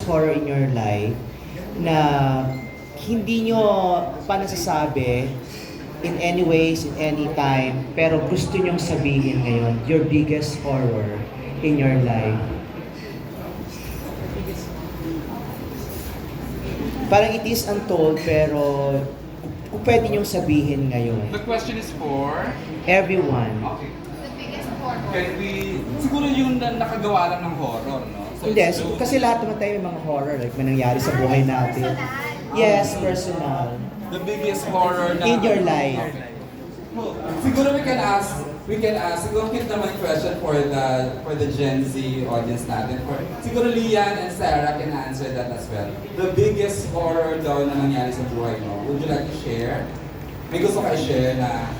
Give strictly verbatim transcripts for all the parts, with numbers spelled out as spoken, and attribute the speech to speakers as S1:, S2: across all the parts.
S1: horror in your life na hindi nyo pa nasasabi in any ways, in any time, pero gusto nyong sabihin ngayon, your biggest horror in your life? Parang it is untold, pero kung pwede nyong sabihin ngayon.
S2: The question is for?
S1: Everyone.
S2: Okay. Can we, siguro yung na, nakagawa lang ng horror, no? So
S1: Hindi,
S2: it's
S1: so,
S2: true.
S1: kasi lahat naman tayo may mga horror, like may nangyari sa buhay natin. Yes, personal.
S2: The biggest horror na...
S1: In your life.
S2: Okay. Well, siguro we can ask, we can ask, siguro cute naman question for the for the Gen Z audience natin. For, siguro Lian and Sarah can answer that as well. The biggest horror daw na nangyari sa buhay mo. Would you like to share? May gusto ka i-share na...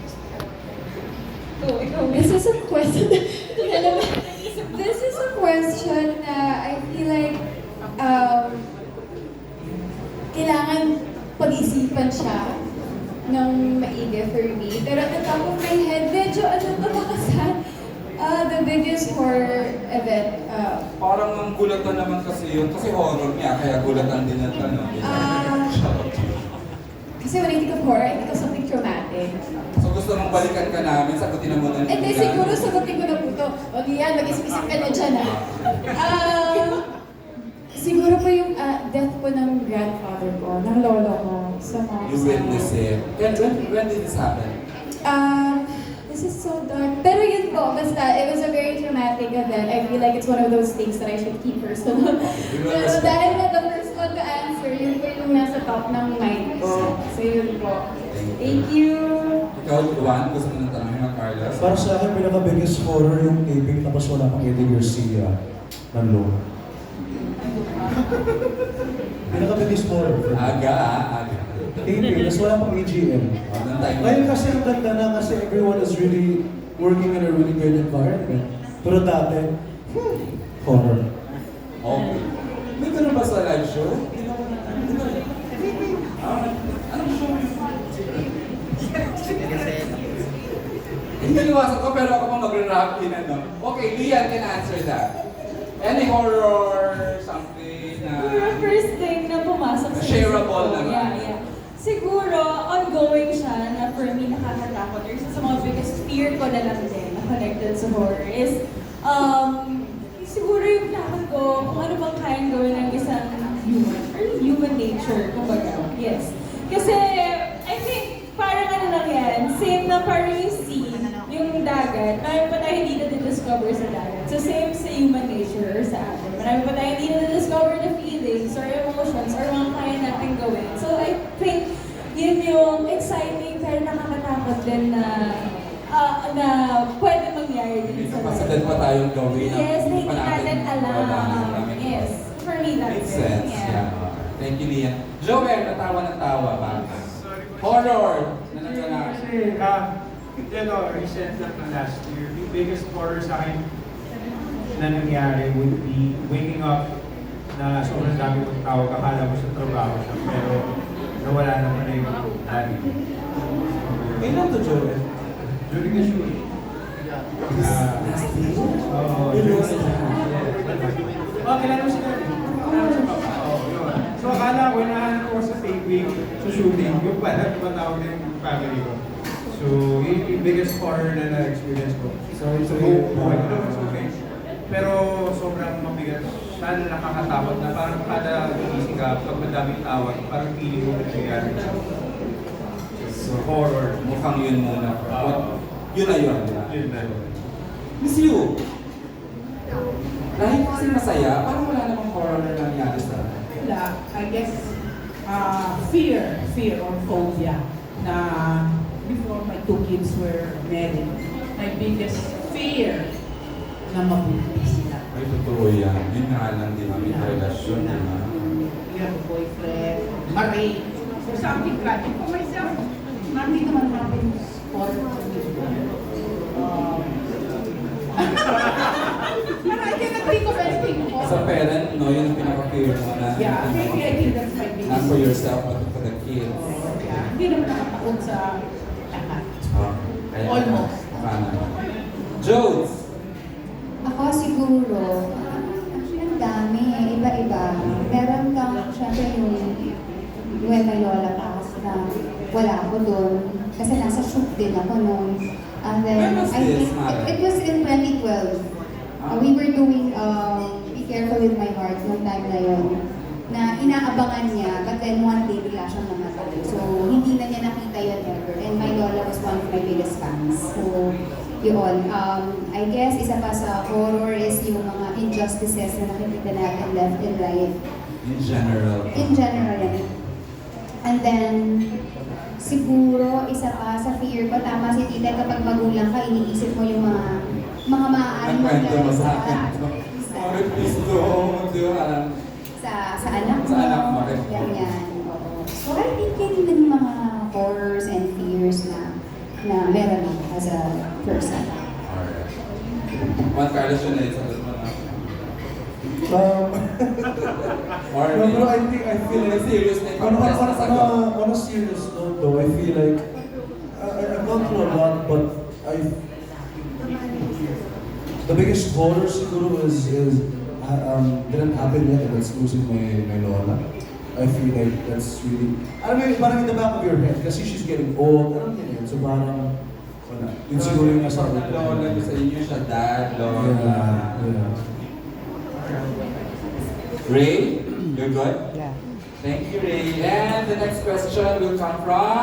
S3: Oh, ikaw, this is a question. Alam mo, this is a question na I feel like um, kailangan pag-isipan siya ng maigi for me. Pero at the top of my head, medyo ano to makasan. Uh, the biggest horror event. Uh,
S2: Parang ang gulatan naman kasi yun. Kasi horror niya, kaya gulatan din ang tanong.
S3: Ah. kasi when I think of horror, I think of something traumatic.
S2: So gusto mong balikan ka namin, sagutin mo na
S3: Eh, di siguro sagutin ko na po ito. O diyan, mag-isip-isip ka na dyan ah. Um, siguro po yung uh, death po ng grandfather ko, ng lolo ko, sa mga
S2: You witness it. When, when, when did this happen?
S3: Um, this is so dark. Pero yun po, basta, it was a very traumatic event. I feel like it's one of those things that I should keep personal. Pero dahil na the first one to answer, yun po yung nasa top ng mind ko. So yun po. Thank you!
S2: Ikaw, Juan, gusto mo nang tanongin ng Carlos?
S4: Para sa akin, pinaka-biggest horror yung taping tapos wala pang Eddie Garcia ng low. Pinaka-biggest horror.
S2: Aga, ah, aga.
S4: Taping, tapos wala pang A G M.
S2: Oh, nang tayo.
S4: Ngayon kasi ang ganda na kasi everyone is really working in a really good environment. Pero dati, hmm, horror.
S2: Okay. May ganun ba sa live show? Hindi naman hindi ba? Ah, anong show yun? Hindi liwasan ko, pero ako pa mag-rap in ano. Okay, Lian can answer that. Any horror, something na...
S5: Siguro first thing na pumasok sa
S2: Shareable
S5: isip ko,
S2: naman.
S5: Yeah, yeah. Siguro, ongoing siya na for me nakakatakot or isa sa mga biggest fear ko na lang din na connected sa horror is um, siguro yung takot ko kung ano bang kayang gawin ng isang human or human nature, kumbaga. Yes. Kasi I think parang ano lang yan, same na parang yung sea, yung dagat, marami pa tayo hindi na-discover sa dagat. So same sa human nature or sa atin. Marami pa tayo hindi na-discover na feelings or emotions or mga kaya natin gawin. So I think yun yung exciting pero nakakatakot din na uh, na pwede mangyari din sa
S2: Kapasidad pa tayong gawin. ang
S5: Yes, na
S2: hindi
S5: hindi
S2: pa
S5: natin alam.
S2: wala namin.
S5: Yes, for me that's
S2: Makes
S5: it.
S2: sense. Yeah. Thank you, Lian. Joel, natawa ng tawa ba? Horror na nangyari.
S6: Kasi, ah, you know, recent lang na last year, the biggest horror sa akin na nangyari would be waking up na sobrang dami kong tawag, akala ko sa trabaho siya, pero nawala naman na yung daddy.
S4: Kailan to, Joel?
S6: During the shoot. Ah, Oo, during the shoot. Yes. Oh, kilala mo si daddy? Kilala mo si papa? Oo, yun. So, akala ko, nahanap ko sa taping, sa shooting, yung pala, tumatawag na yung family ko. So, yun yung biggest horror na na-experience ko.
S4: Sorry to
S6: So,
S4: hear
S6: buhay ko
S4: that.
S6: naman sa okay. Pero sobrang mabigat. Sana nakakatakot na parang kada gising ka, pag madaming tawag, parang feeling mo nangyayari siya. So, horror.
S2: Mukhang yun muna. What? Yun na yun.
S6: Yun na.
S2: Miss you. Dahil kasi masaya, parang wala namang horror na nangyari sa akin.
S7: Wala, I guess, uh, fear, fear or phobia na before my two kids were married, my biggest fear na mabuti sila.
S2: Ay, totoo yan. Yun nga lang din kami
S7: Na-
S2: relasyon.
S7: na,
S2: Diba?
S7: You have a boyfriend, married, or something like that. For myself, married naman namin sport. Um, But I cannot think of anything more.
S2: As a parent, no, yun ang pinaka-fear mo na
S7: Yeah, maybe I think that's my biggest.
S2: not for yourself, but for the kids.
S7: Oh, yeah. Hindi naman nakataon sa lahat.
S2: Ah, kaya
S7: Almost.
S2: Paano? Jones!
S3: Ako siguro, actually ang dami eh, iba-iba.
S8: Nueva Lola pa kasi na wala ako doon. Kasi nasa shoot din ako nung. And then,
S2: When was
S8: I
S2: this,
S8: think,
S2: Mara?
S8: it, it was in twenty twelve. Uh, we were doing um, Be Careful With My Heart nung time na yun. Na inaabangan niya, but then one day bigla siyang namatay. So, hindi na niya nakita yun ever. And my lola was one of my biggest fans. So, yun. Um, I guess isa pa sa horror is yung mga injustices na nakikita natin left and right.
S2: In general.
S8: In general. And then, siguro, isa pa sa fear ko, tama si Tita, kapag magulang ka, iniisip mo yung mga mga maaaring
S2: Nagkwento mo
S8: mangyari
S2: sa akin.
S8: sa,
S2: Sorry, please don't. Di ba?
S8: sa, sa anak mo.
S2: Sa anak mo, rin.
S8: Ganyan. Oo. So, I think yun din yung mga horrors and fears na na meron ako as a person.
S2: Alright. Juan Carlos yun na isa doon mo na.
S4: Um,
S2: Or
S4: no, pero I think, I feel
S2: Yung
S4: like,
S2: serious na
S4: on, on,
S2: yung
S4: on,
S2: sa
S4: on, a, on a serious note though, I feel like, I, I've gone through a lot, but I, the biggest horror siguro is, is uh, um, didn't happen yet, and that's losing my, my lola. I feel like that's really, I mean, parang in the back of your head, kasi she's getting old, alam niya yun, so parang, wala. Yun siguro yung nasa utak ko.
S2: Lola ko sa inyo siya, dad, lola.
S4: Yeah, yeah.
S2: Ray, you're good?
S1: Yeah.
S2: Thank you, Ray. And the next question will come from